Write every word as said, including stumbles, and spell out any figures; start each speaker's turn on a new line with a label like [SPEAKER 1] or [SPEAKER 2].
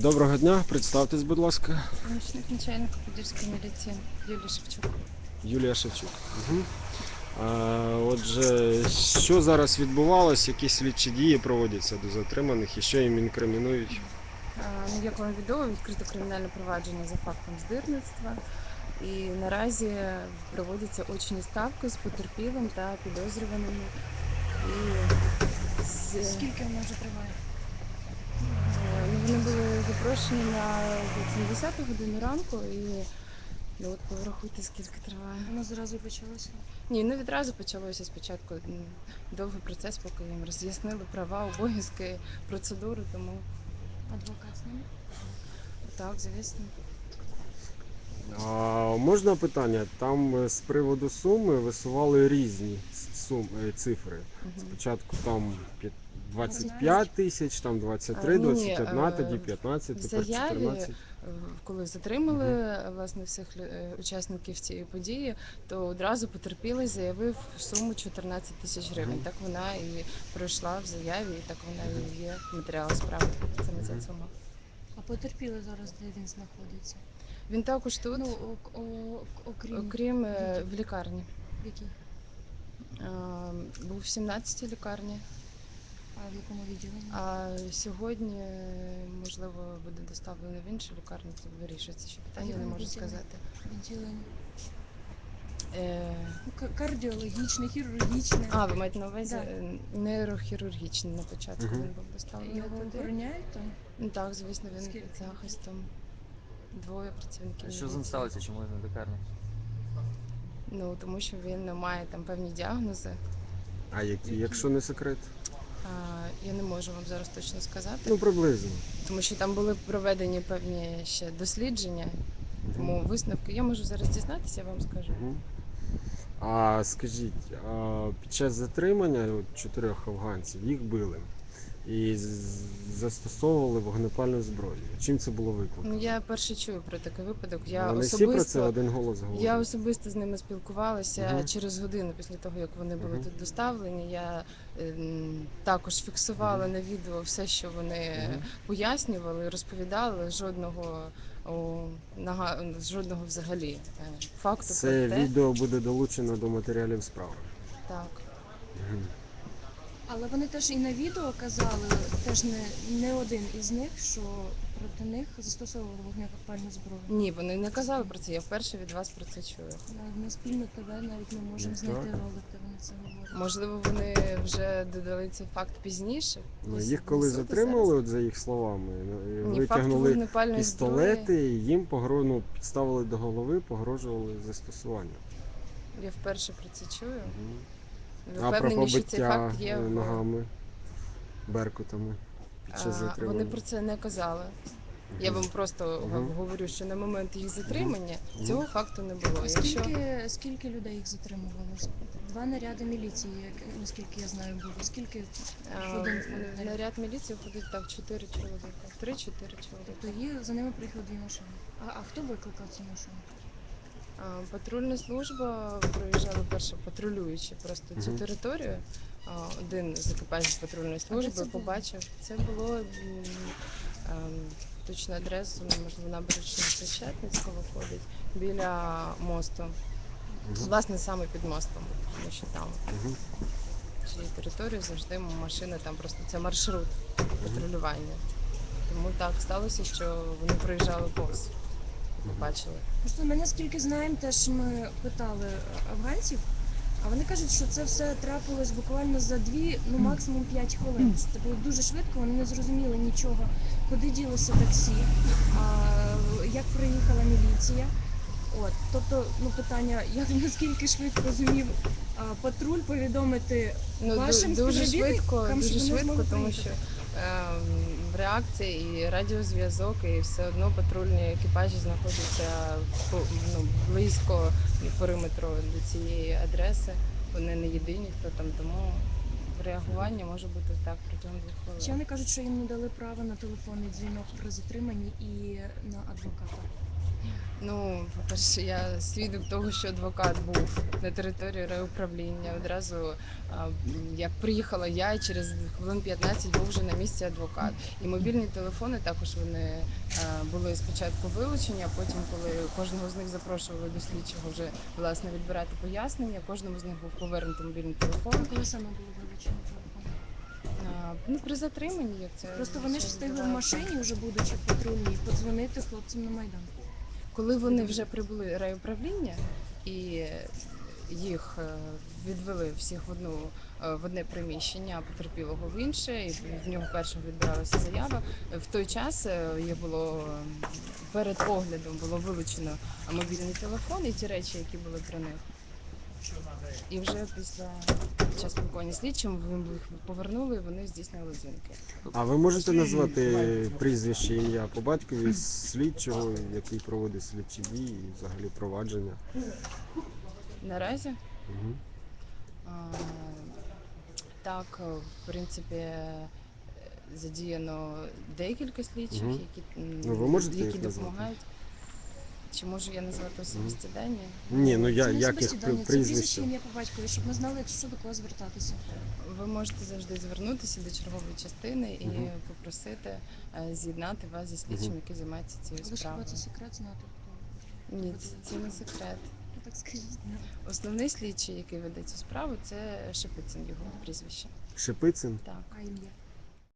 [SPEAKER 1] Доброго дня, представтесь, будь ласка.
[SPEAKER 2] Помічник начальника Подільської міліції Юлія Шевчук.
[SPEAKER 1] Юлія Шевчук. Угу. А, отже, що зараз відбувалось, які слідчі дії проводяться до затриманих і що їм інкримінують?
[SPEAKER 2] А, Ну, як вам відомо, відкрито кримінальне провадження за фактом здирництва. І наразі проводяться очні ставки з потерпілим та підозрюваними. І з...
[SPEAKER 3] Скільки воно вже триває?
[SPEAKER 2] е, ну, вони були запрошені на десяту годину ранку і ну, от порахуйте, скільки триває.
[SPEAKER 3] Воно зразу почалося?
[SPEAKER 2] Ні, не відразу почалося спочатку м, довгий процес, поки їм роз'яснили права, обов'язки, процедури, тому
[SPEAKER 3] Адвокат з ними?
[SPEAKER 2] так, звісно.
[SPEAKER 1] А, можна питання? Там е, з приводу суми висували різні суми, цифри.
[SPEAKER 2] Угу.
[SPEAKER 1] Спочатку там п'ят- двадцять
[SPEAKER 3] двадцять
[SPEAKER 1] п'ять тисяч, там двадцять три,
[SPEAKER 2] Ні, ні,
[SPEAKER 1] двадцять один, тоді
[SPEAKER 2] в
[SPEAKER 1] п'ятнадцять, тепер
[SPEAKER 2] заяві, е,
[SPEAKER 1] чотирнадцять.
[SPEAKER 2] коли затримали власне всіх лю- е, учасників цієї події, то одразу потерпілий заявив суму чотирнадцять тисяч гривень.
[SPEAKER 1] Мгм.
[SPEAKER 2] Так вона і пройшла в заяві, і так вона і
[SPEAKER 1] Мгм.
[SPEAKER 2] є в матеріалах справи. Саме ця
[SPEAKER 1] Мгм.
[SPEAKER 2] сума.
[SPEAKER 3] А потерпілий зараз, де він знаходиться?
[SPEAKER 2] Він також тут,
[SPEAKER 3] Ну, о- о- окрім
[SPEAKER 2] окрім е,
[SPEAKER 3] відділу.
[SPEAKER 2] в лікарні.
[SPEAKER 3] В якій?
[SPEAKER 2] Е, Був в сімнадцятій лікарні.
[SPEAKER 3] А в якому відділенні?
[SPEAKER 2] А сьогодні, е, можливо, буде доставлено в іншу лікарню, це вирішується ще
[SPEAKER 3] А в
[SPEAKER 2] питання, не
[SPEAKER 3] якому
[SPEAKER 2] можу
[SPEAKER 3] відділенні?
[SPEAKER 2] сказати.
[SPEAKER 3] Відділення?
[SPEAKER 2] Е,
[SPEAKER 3] Ну, к- кардіологічне, хірургічне.
[SPEAKER 2] А, ви маєте на увазі
[SPEAKER 3] Да.
[SPEAKER 2] е, нейрохірургічний на початку
[SPEAKER 1] Мгм.
[SPEAKER 2] він був доставлений
[SPEAKER 3] Його
[SPEAKER 2] туди.
[SPEAKER 3] охороняють там?
[SPEAKER 2] Ну, так, звісно, він
[SPEAKER 3] Скільки
[SPEAKER 2] під захистом. Двоє працівників
[SPEAKER 4] Що з ним
[SPEAKER 2] міліції.
[SPEAKER 4] сталося, чому він в лікарні?
[SPEAKER 2] Ну, тому що він має там певні діагнози.
[SPEAKER 1] А які,
[SPEAKER 3] Які?
[SPEAKER 1] якщо не секрет?
[SPEAKER 2] А, я не можу вам зараз точно сказати,
[SPEAKER 1] Ну, приблизно.
[SPEAKER 2] тому що там були проведені певні ще дослідження,
[SPEAKER 1] Мгм.
[SPEAKER 2] тому висновки я можу зараз дізнатися, я вам скажу.
[SPEAKER 1] Мгм. А скажіть, а під час затримання от, чотирьох афганців їх били і з- застосовували вогнепальну зброю. Чим це було
[SPEAKER 2] Ну,
[SPEAKER 1] викликано?
[SPEAKER 2] я перше чую про такий випадок. Я
[SPEAKER 1] Вони всі про це
[SPEAKER 2] особисто
[SPEAKER 1] один голос
[SPEAKER 2] Я
[SPEAKER 1] говорять.
[SPEAKER 2] особисто з ними спілкувалася
[SPEAKER 1] Мгм.
[SPEAKER 2] через годину після того, як вони були
[SPEAKER 1] Мгм.
[SPEAKER 2] тут доставлені. Я ем, також фіксувала
[SPEAKER 1] Мгм.
[SPEAKER 2] на відео все, що вони
[SPEAKER 1] Мгм.
[SPEAKER 2] пояснювали, розповідали. Жодного о, нага, жодного взагалі е, факту про
[SPEAKER 1] Це
[SPEAKER 2] те,
[SPEAKER 1] відео буде долучено до матеріалів справи.
[SPEAKER 2] так.
[SPEAKER 1] Мгм.
[SPEAKER 3] Але вони теж і на відео казали, теж не, не один із них, що проти них застосовували вогнепальну зброю.
[SPEAKER 2] Ні, вони не казали про це. Я вперше від вас про це чую.
[SPEAKER 3] На, на спільну ТВ навіть ми можемо
[SPEAKER 1] Ну,
[SPEAKER 3] знайти
[SPEAKER 1] так.
[SPEAKER 3] ролик, де вони це говорять.
[SPEAKER 2] Можливо, вони вже додали цей факт пізніше.
[SPEAKER 1] Ну,
[SPEAKER 2] Десь
[SPEAKER 1] їх коли
[SPEAKER 2] внизу, десь зараз.
[SPEAKER 1] затримали, от за їх словами, ну,
[SPEAKER 2] Ні, факту
[SPEAKER 1] витягнули
[SPEAKER 2] вогнепальної зброї.
[SPEAKER 1] пістолети, і їм погро... ну, підставили до голови, погрожували застосуванням.
[SPEAKER 2] Я вперше про це чую.
[SPEAKER 1] Мгм.
[SPEAKER 2] Ви
[SPEAKER 1] А про
[SPEAKER 2] впевнені, що цей
[SPEAKER 1] побиття
[SPEAKER 2] факт є
[SPEAKER 1] е,
[SPEAKER 2] в
[SPEAKER 1] ногами, беркутами під час
[SPEAKER 2] А, вони
[SPEAKER 1] затримання?
[SPEAKER 2] про це не казали. Я
[SPEAKER 1] Мгм.
[SPEAKER 2] вам просто
[SPEAKER 1] Мгм.
[SPEAKER 2] гов- говорю, що на момент їх
[SPEAKER 1] Мгм.
[SPEAKER 2] затримання
[SPEAKER 1] Мгм.
[SPEAKER 2] цього факту не було.
[SPEAKER 3] А
[SPEAKER 2] Якщо
[SPEAKER 3] скільки, скільки людей їх затримувало? Два наряди міліції, як, наскільки я знаю, було. Скільки в
[SPEAKER 2] а,
[SPEAKER 3] один входить
[SPEAKER 2] в
[SPEAKER 3] наряд?
[SPEAKER 2] наряд міліції входить так чотири чоловіка, три-чотири чоловіка.
[SPEAKER 3] Тобто їх, за ними приїхали дві машини. А, а хто викликав ці машини?
[SPEAKER 2] А, Патрульна служба проїжджала перше патрулюючи просто цю
[SPEAKER 1] Мгм.
[SPEAKER 2] територію. А, Один з екіпажів патрульної
[SPEAKER 3] А де
[SPEAKER 2] служби
[SPEAKER 3] це було?
[SPEAKER 2] побачив. Це було м, ем, точну адресу, можливо, набережна Хрещатницького виходить біля мосту.
[SPEAKER 1] Мгм.
[SPEAKER 2] Власне, саме під мостом, тому що там
[SPEAKER 1] Мгм.
[SPEAKER 2] цієї території завжди машини, там просто це маршрут
[SPEAKER 1] Мгм.
[SPEAKER 2] патрулювання. Тому так сталося, що вони проїжджали повз і
[SPEAKER 1] Мгм.
[SPEAKER 2] побачили.
[SPEAKER 3] Просто ми наскільки знаємо, теж ми питали афганців, а вони кажуть, що це все трапилось буквально за дві, ну максимум п'ять хвилин. Це було дуже швидко, вони не зрозуміли нічого, куди ділося таксі, а, як приїхала міліція. От, тобто, ну питання, як наскільки швидко зумів а, патруль повідомити
[SPEAKER 2] Ну
[SPEAKER 3] вашим
[SPEAKER 2] ду- дуже швидко,
[SPEAKER 3] співробітникам, щоб
[SPEAKER 2] дуже
[SPEAKER 3] вони
[SPEAKER 2] швидко,
[SPEAKER 3] змогли
[SPEAKER 2] тому що
[SPEAKER 3] приїхати?
[SPEAKER 2] ем, реакція і радіозв'язок, і все одно патрульні екіпажі знаходяться по- ну, близько периметру до цієї адреси. Вони не єдині, хто там, тому реагування може бути так протягом двох
[SPEAKER 3] Ще
[SPEAKER 2] хвилин.
[SPEAKER 3] вони кажуть, що їм не дали права на телефонний дзвінок при затриманні і на адвоката.
[SPEAKER 2] Ну, по-перше, я свідок того, що адвокат був на території райуправління. Одразу, а, м, як приїхала я, через хвилин п'ятнадцять був вже на місці адвокат. І мобільні телефони також вони а, були спочатку вилучені, а потім, коли кожного з них запрошували до слідчого вже власне відбирати пояснення, кожному з них був повернутий мобільний телефон.
[SPEAKER 3] А коли саме було вилучено телефон?
[SPEAKER 2] А, ну, при затриманні, як це
[SPEAKER 3] Просто вони ж
[SPEAKER 2] зазвичай
[SPEAKER 3] встигли в
[SPEAKER 2] відбувається.
[SPEAKER 3] машині, вже будучи в патрульній, подзвонити хлопцям на Майдан.
[SPEAKER 2] Коли вони вже
[SPEAKER 3] Повідомляти.
[SPEAKER 2] прибули райуправління і їх е, відвели всіх в одну е, в одне приміщення, а потерпілого в інше, і в нього першого відбиралася заява. В той час е, є було м, перед оглядом було вилучено мобільний телефон і ті речі, які були при них. І вже після під час спілкування з слідчим їм їх повернули, і вони здійснили дзвінки.
[SPEAKER 1] А ви можете назвати прізвище, ім'я по батькові слідчого, який проводить слідчі дії і взагалі провадження?
[SPEAKER 2] Наразі
[SPEAKER 1] Угу.
[SPEAKER 2] а, так, е, в принципі, е, задіяно декілька слідчих,
[SPEAKER 1] Угу.
[SPEAKER 2] які,
[SPEAKER 1] Ну, ви
[SPEAKER 2] м,
[SPEAKER 1] можете
[SPEAKER 2] які
[SPEAKER 1] їх назвати?
[SPEAKER 2] допомагають. Чи можу я назвати
[SPEAKER 1] Мгм.
[SPEAKER 2] особисті дані?
[SPEAKER 1] Ні, ну я
[SPEAKER 3] Це не
[SPEAKER 1] як
[SPEAKER 3] особисті
[SPEAKER 1] їх при-
[SPEAKER 3] дані, це прізвище,
[SPEAKER 1] прізвище?
[SPEAKER 3] ім'я по батькові, щоб ми знали, якщо що, до кого звертатися.
[SPEAKER 2] Ви можете завжди звернутися до чергової частини і
[SPEAKER 1] Мгм.
[SPEAKER 2] попросити е, з'єднати вас зі слідчим,
[SPEAKER 1] Мгм.
[SPEAKER 2] який займається цією
[SPEAKER 3] Але ж хіба це
[SPEAKER 2] справою.
[SPEAKER 3] секрет знати, хто, хто
[SPEAKER 2] Ні,
[SPEAKER 3] веде
[SPEAKER 2] це, це не
[SPEAKER 3] справу?
[SPEAKER 2] секрет.
[SPEAKER 3] Ну так скажіть нам.
[SPEAKER 2] Основний слідчий, який веде цю справу, це Шепицин, його прізвище.
[SPEAKER 1] Шепицин?
[SPEAKER 2] Так.
[SPEAKER 3] А ім'я?